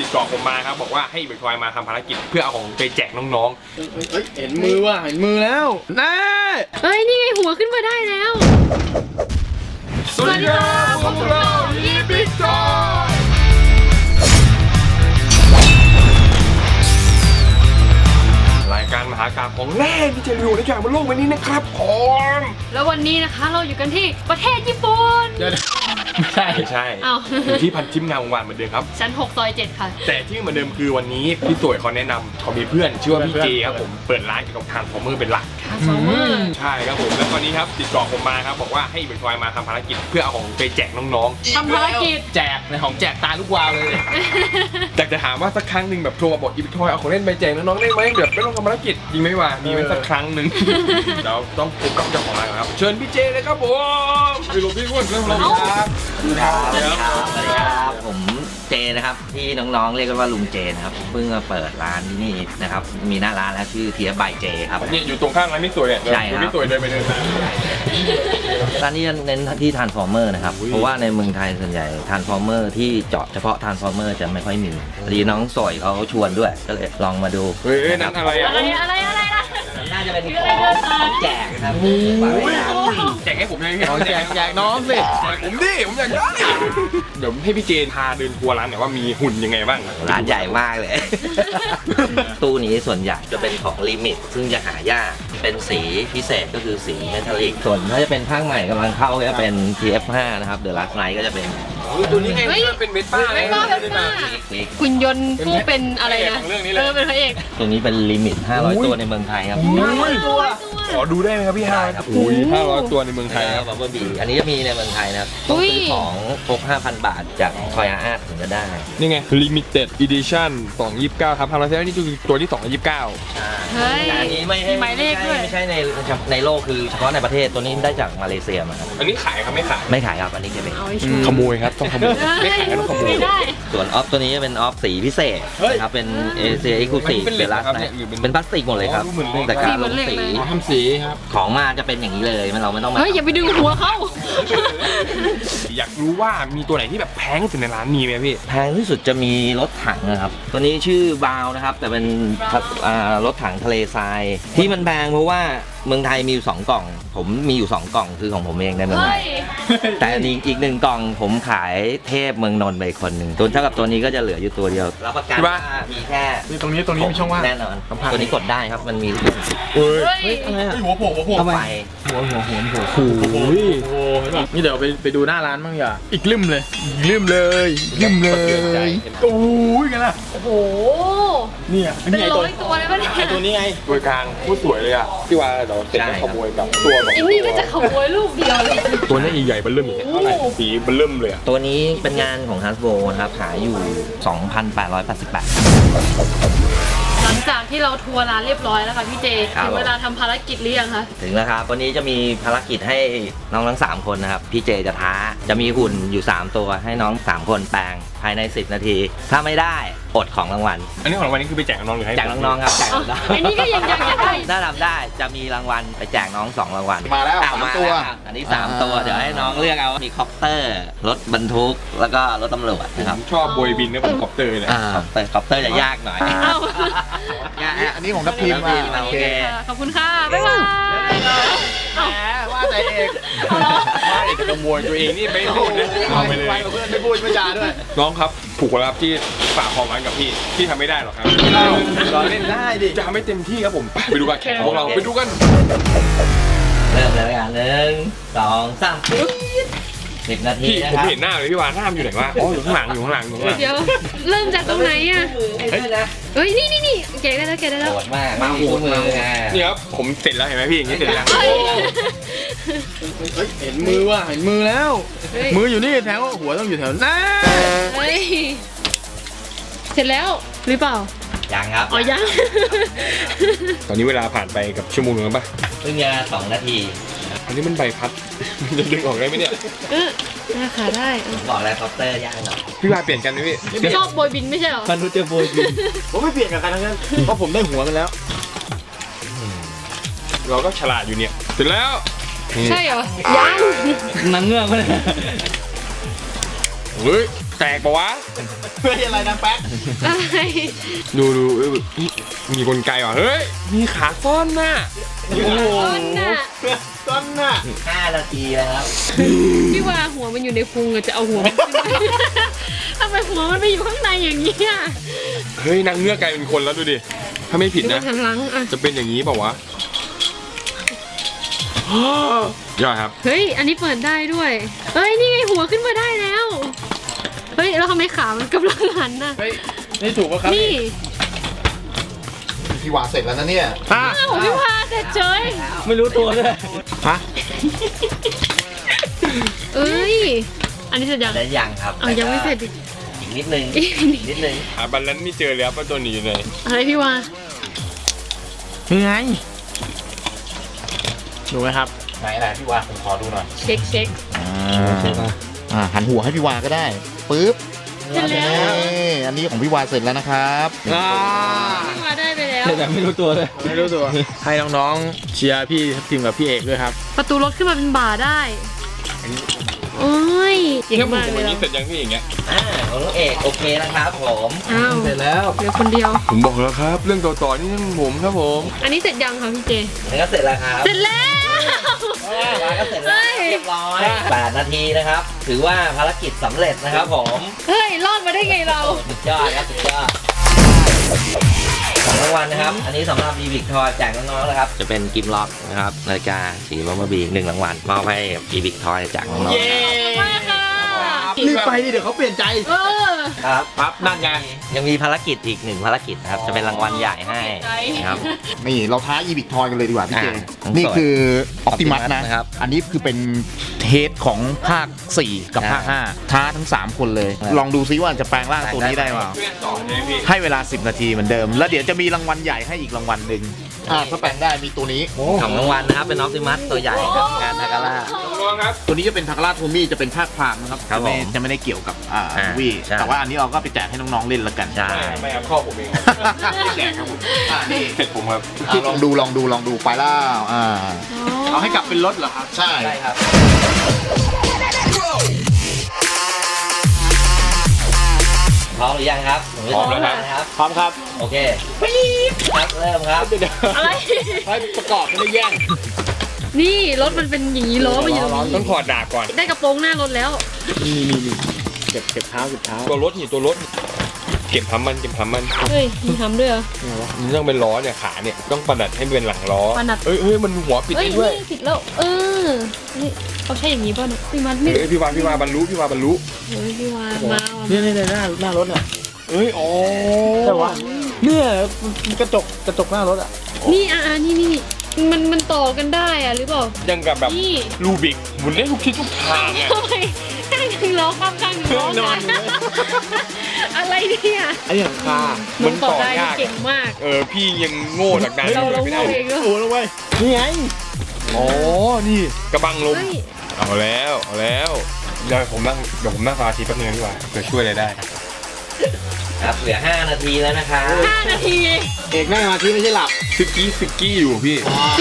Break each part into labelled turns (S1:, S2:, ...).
S1: ติดต่อผมมาครับบอกว่าให้เบิร์กทอยมาทำภารกิจเพื่อเอาของไปแจกน้อง
S2: เห็นมือว่ะเห็นมือแล้วน่า
S3: เฮ้ยนี่ไงหัวขึ้นมาได้แล้ว
S1: ๆสวัสดีครับพวกเราอีบิทอยรายการมหากาพย์ของแร่ที่จะอยู่ในจากบนโลกใบนี้นะครับผม
S3: แล้ววันนี้นะคะเราอยู่กันที่ประเทศญี่ปุ่น
S2: ไม่ใช่
S1: ไม่ใช่
S3: อ้าว
S1: อยู่ที่พันทิมงานวงวานเหมือนเดิมครับ
S3: ชั้น6 ซอย 7 ค่ะ
S1: แต่ที่เหมือนเดิมคือวันนี้พี่สวยเขาแนะนำเขามีเพื่อนชื่อว่าพี่เจครับผมเปิดร้านเกี่ยวกับทานฟอร์เมอร์เป็นหลัก
S3: ทาร์ฟอร์เมอร์
S1: ใช่ครับผมแล้ววันนี้ครับติดต่อผมมาครับบอกว่าให้เบิร์กทอยมาทำภารกิจเพื่อเอาของไปแจกน้องๆ
S3: ทำภารกิจ
S2: แจกในของแจกตาลูกวาวเลย
S1: อยากจะถามว่าสักครั้งหนึ่งแบบโทรมาบอกอีบิทอยเอาของเล่นไปแจกน้องๆได้ไหมแบบไม่ต้องทำภารกิจจริงไหมวะมีไหมสักครั้งหนึ่ง เราต้องพบกับเจ้าของร้านก่อนครับเชิญพี่เจเลยครับผมไปหลบพี่อ้วนเรื่องของเราครับ
S4: สวัสดีครับผมเจนะครับที่น้องๆเรียกกันว่าลุงเจนะครับเพิ่งมาเปิดร้านที่นี่นะครับมีหน้าร้านแล้วชื่อเทียบายเจครับ
S1: เนี่ยอยู่ตรงข้างร้านพี่สวยเนี่ย
S4: ใช่ครับ
S1: พี่สวยเดินไปเดินมา
S4: ร้านนี้เน้นที่ทรานส์ฟอร์เมอร์นะครับเพราะว่าในเมืองไทยส่วนใหญ่ทรานส์ฟอร์เมอร์ที่เจาะเฉพาะทรานส์ฟอร์เมอร์จะไม่ค่อยมีพอดีน้องสอยเขาชวนด้วยก็เลยลองมาดู
S1: เฮ้ยนั่นอะไรอ่ะ
S3: อะไรนะ
S4: น่าจะเป็นของแจกนะครับฝากไว้นะ
S1: แจกให้ผมเลยพี่
S2: เอาแจกน้องสิ
S1: แจกผมดิผมอยากได้เดี๋ยวให้พี่เจนพาเดินทัวร์ร้านหน่อยว่ามีหุ่นยังไงบ้าง
S4: ร้านใหญ่มากเลย ตู้นี้ส่วนใหญ่จะเป็นของลิมิตซึ่งจะหายากเป็นสีพิเศษก็คือสีเมทัลลิกส่วนถ้าจะเป็นภาคใหม่กำลังเข้าก็จะเป็น TF5 นะครับ The Last Night ก็จะเป็น
S1: ตัวนี้ไงเป็นเวสป้า
S3: เวสป้า
S4: ลิก
S3: คุณยนต์ผู้เป็นอะไรนะ
S1: ของเรื่องนี้เลย
S3: เป็นพระเอก
S4: ตัวนี้เป็นลิมิต 500 ตัวในเมืองไทยครับ
S1: ขอดูได้ไหมครับพี่ฮา
S4: ครับ
S1: อุ้ย500 ตัวในเมืองไทยครับ
S4: บับเบิ้ลบีอันนี้จะมีในเมืองไทยนะครับต้องซื้อของครบ 5,000 บาทจากทอยอาร์ตถึงจะได้
S1: นี่ไง limited edition 229ครับ500นี่คือตัวที่229
S3: เฮ้ย
S4: แต่อันนี้ไม่
S3: มีหมายเลขด้วย
S4: ไม่ใช่ในโลกคือเฉพาะในประเทศตัวนี้ได้จากมาเลเซียมาครับ
S1: อันนี้ขายครับไม่ขาย
S4: ไม่ขายครับอันนี้จะเป็น
S3: เอาไว้ชู
S1: ขโมยครับต้องขโมยไม่ขายก็ต้องขโมย
S3: ไม่ได้
S4: ส่วนออฟตัวนี้จะเป็นออฟสีพิเศษนะครับเป็นเอเชียเอ็กซ์คลูซีฟ
S1: เป็นเหล็ก
S4: เดลัส
S1: ครับ
S4: นะ
S1: เนี่ยหรือเป็น
S4: เป็นพลาสติกหมดเลยครับ
S1: อ๋อเหมือนเหล็ก
S4: แต่การลง
S3: สี
S4: สี
S3: เหมือนเหล็กเลย
S2: ทำสีครับ
S4: ของมาจะเป็นอย่างนี้เลยเราไม่ต้องมา
S3: เฮ้ยอย่าไปดึงหัวเขา
S1: อยากรู้ว่ามีตัวไหนที่แบบแพงที่สุดในร้านมีไหมพี่
S4: แพงที่สุดจะมีรถถังนะครับ ตัวนี้ชื่อบาวนะครับ แต่เป็นรถถังทะเลทรายที่มันแพงเพราะว่าเมืองไทยมีอยู่2กล่อง ผมมีอยู่2กล่องคือของผมเองในเมืองไท
S3: เฮ้
S4: ย
S3: ย
S4: แต่อีก1กล่องผมขายเทพเมืองนนท์ไปคนหนึ่งตัวเท่ากับตัวนี้ก็จะเหลืออยู่ตัวเดียวรับประกัน
S1: ที่
S4: ว่า
S1: บ้าน
S4: มีแค่
S2: นี่ตรงนี้มีช่องว่าง
S4: แน่นอน
S2: สัมผัส
S4: ตัวนี้กดได้ครับมันมี
S1: เฮ้ย
S3: เฮ้ย
S2: หัวโผล่
S4: เข้าไป
S2: หัวเห็นป่ะนี่เดี๋ยวไปดูหน้าร้านบ้างอย่าอีกลืมเลยอีกลืมเลยลืมเลยโอ้ยกันล่ะ
S3: โอ้โห
S2: เนี่ย
S3: เป็นร้อยตัวเลยปะเนี่ย
S2: ไอตัวนี้ไง
S1: ตัวกลางผู้สวยเลยอ่ะที่ว่าเราเสร็จก็ขโมยแบบตัวแบบ
S3: ไอ้นี่ก็จะขโมยลูกเดียวเลย
S1: ตัวนี้ใหญ่ๆเบิ่มอย่างเงี้ยเท่าไหร่สีเบิ่มเลยอ่ะ
S4: ตัวนี้เป็นงานของ Hasbro นะครับขายอยู่ 2,888
S3: หลังจากที่เราทัวร์ร้านเรียบร้อยแล้วค่ะพี่เจ
S4: ครับ
S3: ถึงเวลาทำภารกิจหรือยังคะ
S4: ถึงแล้วครับวันนี้จะมีภารกิจให้น้องทั้ง3คนนะครับพี่เจจะท้าจะมีหุ่นอยู่3ตัวให้น้อง3คนแปลงภายใน10 นาที ถ้าไม่ได้อดของรางวัล
S1: อันนี้ของรางวัลนี่คือไปแจกน้องหรือให้
S4: แจกน้องๆครับแจก
S3: อ๋อ
S4: น้อง
S3: ไอ้นี่ก็ยังจะได้
S4: ถ้าทำได้จะมีรางวัลไปแจกน้อง2รางวัล
S2: มาแล้ว
S4: อ้
S2: 3ตัว
S4: มาแล้อันนี้3ตัวเดี๋ยวให้น้องเลือกเอามีคอปเตอร์รถบรรทุกแล้วก็รถตำรวจนะครับ
S1: ชอบโบยบินนะผมคอปเตอร์เนี่ย
S4: คอปเตอร์จะยากหน่อย
S3: เอ้า
S2: อันนี้ของทัพทีมอ่ะ
S4: โอเค
S3: ขอบคุณค่ะ บ๊ายบายเอ้า
S2: ว่าแต่เอก
S1: ไม่แต่ขโมยตัวเองนี่ไม่พูดนะเอาไปเลย
S2: ไปกับเพื่อนไม่พูดไม่จาด้วย
S1: น้องครับถูกแล้วครับที่ฝากความหวังกับพี่ทำไม่ได้หรอกครับ
S2: เราเล่นได้ดิ
S1: จะทำให้เต็มที่ครับผมไปดูการแข่งของเราไปดูกัน
S4: เริ่มเลยกัน1 2 3 10 นาที
S1: พี่
S4: นะ
S1: ผม
S4: ครับ
S1: เห็นหน้าเลยพี่วานหน้ามันอยู่ไหนวะอ๋ออยู่ข้างหลังอยู่ข้างหลังอยู่ข้างหลัง
S3: เดี๋ยว เริ่มจากตรงไหนอ่ะ
S4: เฮ้ยนะ
S3: เฮ้ย นี่เก๋ได้แล้วเก๋ได้แล้ว
S4: โหดมากมาโหดมือไง
S1: นี่ครับผมเสร็จแล้วเห็นไหมพี่อย่างนี้เสร็จแล้ว
S3: เฮ้ย
S2: เห็นมือว่ะเห็นมือแล้ว
S3: เฮ้ย
S2: มืออยู่นี่แถวหัวต้องอยู่แถวหน้า
S3: เฮ้ย เสร็จแล้วหรือเปล่า
S4: ยังครับ
S3: อ๋อยัง
S1: ตอนนี้เวลาผ่านไปกับชั่วโมงนึงแล้วป่ะ
S4: เพิ่งจะ2 นาที
S1: อันนี้มันใบพัด มันจะดึงออกได้ไหมเนี่ย
S3: น่าขาได้
S4: ผมบอกแล้วคอปเตอร์ยากหน่อย
S1: พี่วานเปลี่ยนกันไหมพี่
S3: ชอบโบยบินไม่ใช่เหรอ
S2: พันธุเจอโบยบินผมไม่เปลี่ยนกับใครทั้งนั้นเพราะผมได้หัวมันแล้ว
S1: เราก็ฉลาดอยู่เนี่ยเสร็จแล้วนี่
S3: ใช่เหรอ ยัง
S4: นางเงือกไปเลย
S1: เฮ้ยแตกปะวะ
S2: เฮ้ยอะไรนะแป๊ก
S3: อะไร
S1: ดูมีกลไกว่ะเฮ้ยมีขาซ่อนน่ะโอ้โห
S3: ต้นน่ะ
S2: ต้นน่ะ
S4: 5 นาทีแล้วครับ
S3: พี่ว่าหัวมันอยู่ในพุงอะจะเอาหัวมันขึ้นมาทำไมหัวมันไปอยู่ข้างในอย่างนี้อะ
S1: เฮ้ยนางเงือกกลายเป็นคนแล้วดูดิถ้าไม่ผิด
S3: ดู
S1: นะ
S3: หันหลังอะ
S1: จะเป็นอย่างนี้เปล่าวะยอดครับ
S3: เฮ้ยอันนี้เปิดได้ด้วยเฮ้ยนี่ไงหัวขึ้นมาได้แล้วเฮ้ยแล้วทำไมขามันกำลังหันน่ะ
S2: เฮ้ยนี่ถูกปะครับ
S3: นี่
S5: พี่วาเสร็จแล้วนะเนี่ย
S2: ฮะ
S3: อ้าวพี่ว่าเสร็จเฉย
S2: ไม่รู้ตัวเลยฮะ
S3: เอ้ยอันนี้เสร็จยัง
S4: ได้ยังครับ
S3: เอายังไม่เสร็จอีก
S4: อีกนิดนึง
S3: อีกนิด
S4: นิดนึง
S1: บัลลันซ์ไม่เจอแล้วป้าตัวนี้อยู่ไหน
S3: อะไรพี่ว่า
S2: ยังไงดูไหมครับ
S5: ไหนพี่วาผมขอดูหน่อย
S3: เช็คเช็ค
S5: หันหัวให้พี่วาก็ได้ปึ๊บ
S3: เสร็จแล้ว
S5: นี่อันนี้ของพี่วาเสร็จแล้วนะครับ
S3: พี่ว่าได้ไปแล้ว
S2: แต่ไม่รู้ตัวเลยไม่รู้ตัว ให้น้องๆเชียร์พี่ทีมกับพี่เอกด้วยครับ
S3: ประตูรถขึ้นมาเป็นบ่าได้โอ้ยเก่ง
S1: แค่ผม
S3: มาก
S1: ผม
S3: เล
S1: วัน
S3: ย
S1: นี้
S3: เรา
S1: เสร็จยังพี่อย่างเงี้ย
S4: ของน้องเอกโอเคนะครับผม
S3: อ้าว
S2: เสร็จแล้ว
S3: เหลือคนเดียว
S1: ผมบอกแล้วครับ เรื่องต่อๆนี่เรื่องผมครับผม
S3: อันนี้เสร็จยังคะพี่เจ
S4: นี่ก็เสร็จแล้วครับ
S3: เสร็จแล้ว
S4: วางก็เสร็จแล้วเรียบร้อย8 นาทีนะครับ ถือว่าภารกิจสำเร็จนะครับผม
S3: เฮ้ยรอดมาได้ไงเรา
S4: สุดยอดครับสุดยอดของรางวัลนะครับ อันนี้สำหรับอีวิกทอยแจกน้องๆนะครับ จะเป็นกิมล็อกนะครับนาฬิกาสีบัมเบอร์บี1 รางวัลมอบให้อีวิกทอยจากน้องๆนะครับ
S3: มากค่ะ
S2: รีบไปดิเดี๋ยวเขาเปลี่ยนใจ
S3: เออ
S4: ครับ
S2: ปั๊บนั่นไง
S4: ยังมีภารกิจอีก1 ภารกิจนะครับ จะเป็นรางวัลใหญ่ให้นะครับ
S5: นี่เราท้าอีบิกทอยกันเลยดีกว่าพี่เจ
S4: ของ
S5: นี่คือออ
S4: Optimus
S5: ปติมัสนะ
S4: นะครับ
S5: อันนี้คือเป็นเทสของภาค 4 กับภาค 5 ท้าทั้ง 3 คนเลย
S4: ครับ
S5: ลองดูซิว่าจะแปลงร่างตัวนี้ได้เปล่า
S1: เพื่อนต่อเลยพี่
S5: ให้เวลา 10 นาทีเหมือนเดิม แล้วเดี๋ยวจะมีรางวัลใหญ่ให้อีกรางวัลหนึ่งถ้าแปลงได้มีตัวนี้
S4: ของรางวัลนะครับ เป็นออปติมัสตัวใหญ่กับงานทาการ่า
S1: น้องๆครับ
S5: ตัวนี้จะเป็นทาการาโทมี่จะเป็นภาคพรามนะครับ
S4: ครับผม
S5: จะไม่ได้เกี่ยวกับ
S4: อ่า
S5: มูวี่
S4: ใช่
S5: แต่ว่าอันนี้เราก็ไปแจกให้น้องๆเล่นละกัน
S4: ใช่
S1: ไม่ครับข้อผมเองครับไม่แจกครับผม
S5: นี่
S1: เสร็จผมครับ
S5: ลองดูไปแล้ว
S2: เอาให้กลับเป็นรถเหรอครับ
S5: ใช่
S4: ใช่ครับ พร้อมหรือยังครับ
S1: พร้อมแล้วครับ
S4: นะครับ
S2: พร้อมครับ
S4: โอเคครับเริ่มครับ
S2: เดี๋ยว
S3: อะไร
S2: ให้ประกอบไม่ได้แย่ง
S3: นี่รถมันเป็นอย่างนี้ล้อมันอยู่ตรง
S1: ต้อ
S3: นี้
S1: งถอดดาบก่อน
S3: ได้กระโปรงหน้ารถแล้ว
S2: นี่เก็บเท้า
S1: ตัวรถนี่ตัวรถ เก็บทำมัน
S3: เฮ้ยมีทำด้วยเหรอ
S1: มันต้องเป็นล้อเนี่ยขาเนี่ยต้องประดัดให้เป็นหลังล้อ
S3: ประดัด
S1: เอ้ยมันหัวปิด
S3: เอ้ย
S1: ได้ด้วย
S3: นี่ผิดแล้ว เออนี่เขาใช่อย่างนี้ป่ะเนี่ยพี่มัดไม่
S1: เอ้ยพี่วาบรรลุ
S3: เฮ้ยพี่วามาว่ะ
S2: นี่หน้ารถอ่ะ
S1: เอ้ยอ๋อ
S2: ใช่วะเนี่ยกระจกหน้ารถอ่ะ
S3: นี่นี่มันต่อกันได้อะหรือเปล่า
S1: ยังกับแบบ
S3: นี่
S1: ลูบิกหมุนได้ทุกทิศทุกทางอ่ะ
S3: ทำไมข้างหนึ่งล้อข้างหนึ่งล้อน
S2: อนอยู่เลย
S3: อะไรเนี่ย
S2: ไอ้หลังคา
S3: น้องต่อได้นี่เก่งมาก
S1: พี่ยังโง่จากนั้น
S3: เรา
S1: ไม่
S3: โง่
S1: ได้
S3: เองด้วย
S2: โอ้แล้วเว้ยนี่ไง
S1: อ๋อนี่กระบังลม
S3: เฮ้ย
S1: เอาแล้วเดี๋ยวผมนั่งสมาธิแป๊บนึงดีกว่าเผื่อช่วยอะไรได้
S4: ครับ เหลือ 5 นาทีแล้วนะครับ
S3: 5 นาที
S2: เอกนั่งมาที่ไม่ใช่หลับ
S1: ซิกกี้อยู่พี่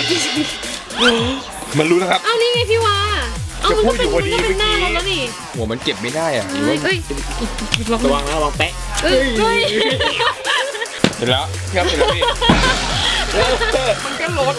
S1: มันรู้นะครับ
S3: เอานี่ไงพี่วาเอามันก็เป็น
S1: จะพูดอยู่พอดี
S3: มันก็เป็นหน้า
S1: เมื่อกี้
S3: รถแล้วนี่
S1: หัวมันเก็บไม่ได้อ่ะหรือ
S3: เฮ้
S1: ว่าย
S3: เอ้ยลอง
S2: ระวังนะระวังแปะ
S3: เอ้ย
S1: เสร็จแล้วครับเสร็จแล้วพี่มันก็ลด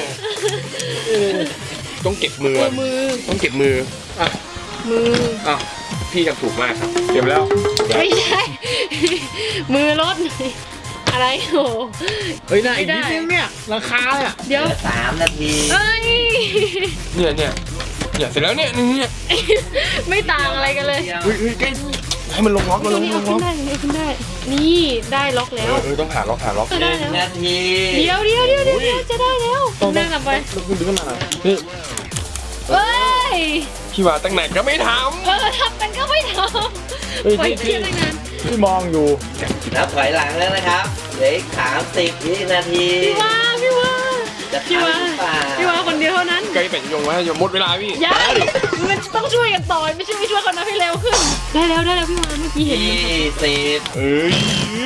S1: ต้องเก็บมือ
S3: มือ
S1: ต้องเก็บมือ
S3: มือ
S1: อ่ะพี่ทำถูกมากครับเก็บแล้ว
S3: ไม่ใช่ มือรถอะไรโอ้
S2: เฮ้ยน่าอีกนิดนึงเนี่ยราคาเนี่ย
S3: เดี๋ยว
S4: เหลือ 3 นาที
S3: เอ้ย
S1: เนี่ยเสร็จแล้วเนี่ย
S3: ไม่ต่างอะไรกันเลย
S1: เฮ้ยใกล้ให้มันลงล็อกมันลง
S3: นี่
S1: ล็
S3: เอา
S1: อก
S3: ขึ้นได้นี่ได้ล็อกแล้ว
S1: ต้องหาล็อก
S3: ได้แล้ว
S4: 1 นาที
S3: เดี๋ยวจะได้แล้วนั่งกลับไป
S2: ต้องดึงขึ้นมาหน่อยนี่
S3: เฮ้ย
S1: พี่ว่าตั้งไหนก็ไม่ท
S3: ทำกันก็ไม่ท
S2: เฮ้ย
S3: ำปล่อย
S2: ที่
S3: เครียดตั้งนาน
S2: ที่มองอยู่
S4: นับถอยหลังแล้วนะครับ เหลืออีก30 วินาที
S3: พี่ว่า
S4: จะ
S3: พี่
S4: ทัน
S3: ว่า
S4: หรือเปล่า
S3: พี่ว่าคนเดียวเท่านั้น
S1: ำไกลเป็ดยงไว้อย่าหมดเวลาพี่
S3: ยังมันต้องช่วยกันต่อไม่ใช่ไม่ช่วยเขานะให้เร็วขึ้น ได้แล้วพี่วานเมื่อกี้เห็น
S4: 20
S1: เอ้ย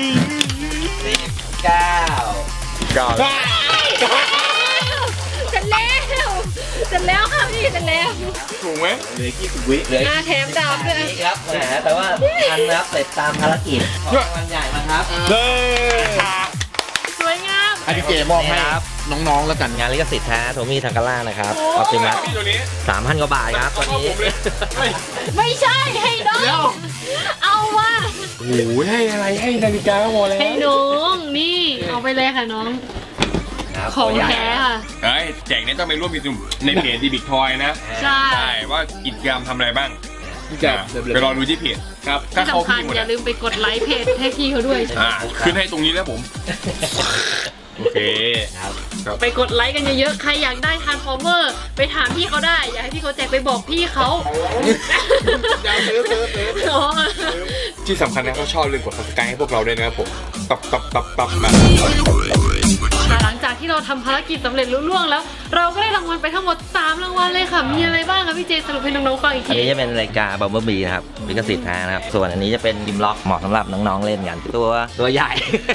S4: 19
S1: ก้าว
S3: เสร็จแล้วค่ะพี่มีดแล้ว
S1: ถูกไหม
S4: เหลือ
S3: แถมดาบด้วย
S4: นี่ครับแหมแต่ว่าทันนะครับเสร็จตามภารกิจของรางวัลใหญ่มาครับ
S1: เย้
S3: สวยงาม
S5: อันนี้เจมอบให้
S4: ครับ
S5: น้องๆแล้วกัน
S4: งานลิขสิทธิ์แท้โทมี่ทางกาล่านะครับออปติมัส
S1: พี่ตัวนี้
S4: 3,000 กว่าบาทครับตอนนี้
S3: ไม่ใช่ให้น้องเอาว่ะ
S1: โอ้โหให้อะไรให้นาฬิกาก็พอแล้ว
S3: ให้น้องนี่เอาไปเลยค่ะน้อง
S4: ครับ
S3: ของ
S4: ตัวใหญ่
S3: แท้ค่ะ
S1: เฮ้ยแจกเนี่ยต้องไปร่วมกิจกรรมในเพจดีบิ๊กทอยนะ
S3: ใช่
S1: ใช่ว่ากิจกรรมทำอะไรบ้าง
S2: แจก
S1: ไปรอดูที่เพจครับถ้า
S3: ที่
S1: เขา
S3: สำคัญ
S1: พี่หมด
S3: อย่าลืมไปกดไลค์เพจให้พี่เขาด้วย
S1: ขึ้นให้ตรงนี้แล้วผมโอเค
S4: ครับ
S3: ไปกดไลค์กันเยอะๆ ใครอยากได้ทานฟอร์เมอร์ไปถามพี่เขาได้ อยากให้พี่เขาแจกไปบอกพี่เขา
S2: อยากซื้อ
S3: อ๋อ
S1: ที่สำคัญนะเขาชอบลืมกด subscribe ให้พวกเราด้วยนะครับผมตับมา
S3: ค่ะหลังจากที่เราทำภารกิจสำเร็จลุล่วงแล้ว เราก็ได้รางวัลไปทั้งหมด3รางวัลเลยค่ะ มีอะไรบ้างคะพี่เจสรุปให้น้องๆฟังอีก
S4: อัน
S3: ที
S4: นี้จะเป็นรายการบัมเบิลบีนะครับลิขสิทธิ์แท้นะครับ ส่วนอันนี้จะเป็นยิมล็อกเหมาะสำหรับน้องๆเล่นกันตัวใหญ่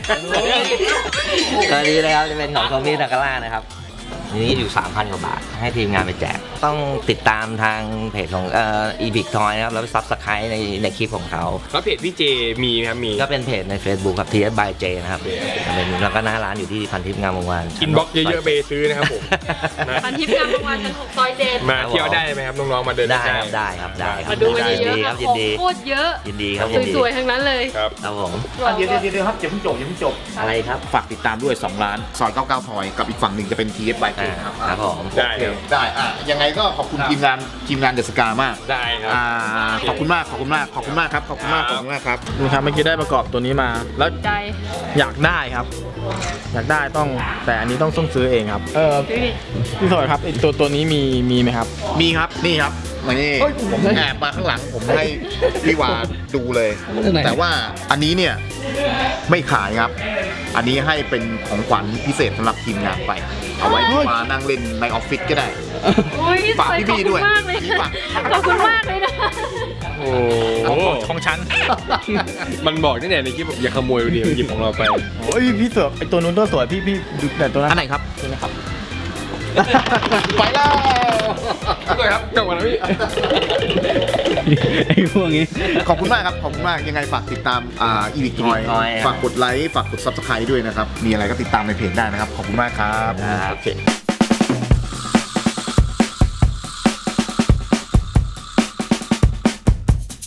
S4: ตัวนี้นะครับจะเป็นของโทมี่ทางกาล่านะครับอันนี้อยู่ 3,000 กว่าบาท ให้ทีมงานไปแจก ต้องติดตามทางเพจของEpic Toy นะครับ แล้วไปซับสไครต์ในคลิปของเขา
S1: แล้วเพจพี่เจมีไหมครับมี
S4: ก็เป็นเพจใน Facebook ครับ TS by J นะครับเป็นแล้วก็หน้าร้านอยู่ที่พันทิพย์งามวงศ์วาน
S1: อินบ็อกเยอะๆไปซื้อนะครับผมนะ
S3: พันทิพย์งามประมาณชั้น6ซอยเจ็ด
S1: มาเที่ยวได้ไหมครับน้องๆมาเดิน
S4: ได้ครับได้ครับได้ครับ
S3: มาดูกันเยอะๆ
S4: ค
S3: ค่ะ
S4: รับ
S3: ข
S4: ยิ
S3: อน ง
S4: ดี
S3: โคตรเยอะ
S4: ยินดีครับยินดี
S3: สวยๆทั้งนั้นเลย
S1: ครับ
S4: ครับผม
S5: เดี๋ยวครับอย่าเพิ่งจบ
S4: อะไรครับ
S5: ฝากติดตามด้วย 2 ร้าน ซอย 99 ทอย กับอีกฝั่งหนึ่งจะเป็น TS by K ครับ
S4: ครับผม
S1: ได้ครับ
S5: ได้ยังไงก็ขอบคุณทีมงานเดอะสกามาก
S1: ได้ครับ
S5: ขอบคุณมากครับขอบคุณมากครับ
S2: ดูครับเมื่อกี้ได้ประกอบตัวนี้มา แล้ว
S3: ใจ
S2: อยากได้ครับ อยากได้ต้องแต่อันนี้ต้องซื้อเองครับ พี่สอยครับไอตัวนี้มีไหมครับ
S5: มีครับนี่ครับมานี่ผมแอบมาข้างหลังผมให้พี่วาดูเลย แต่ว่าอันนี้เนี่ยไม่ขายครับ อันนี้ให้เป็นของขวัญพิเศษสำหรับทีมงานไป เอาไว้พี่วานั่งเล่นในออฟฟิศก็ได้
S3: โอ้ยพี่
S5: ฝาก
S3: สวย
S5: พี่
S3: ขอบ
S5: บี้
S3: คุ
S5: ด้วย
S3: ณมากเลย
S5: พี่ฝาก
S3: ขอบคุณมากเลยนะ
S1: โอ้โห
S2: ของฉัน
S1: มันบอกตั้งแต่ในคลิปบอกอย่าขโมยดิหยิบของเราไป
S2: โอ้ยพี่สวยไอตัวนู้นตัวสวยพี่ดูแต่ตัวนั้น
S5: อันไหนครับ
S2: ตัวนี้ครับ
S5: ไปแล้ว
S1: ด้วยครับกลับมาแล้วพี่
S2: ไอพวกนี้
S5: ขอบคุณมากครับ ขอบคุณมาก ยังไงฝากติดตามอีวิกทอย
S4: Epic Toy
S5: ฝากกดไลค์ ฝากกด Subscribe ด้วยนะครับ มีอะไรก็ติดตามในเพจได้นะครับ ขอบคุณมากครับ
S4: ครับ
S5: โอเค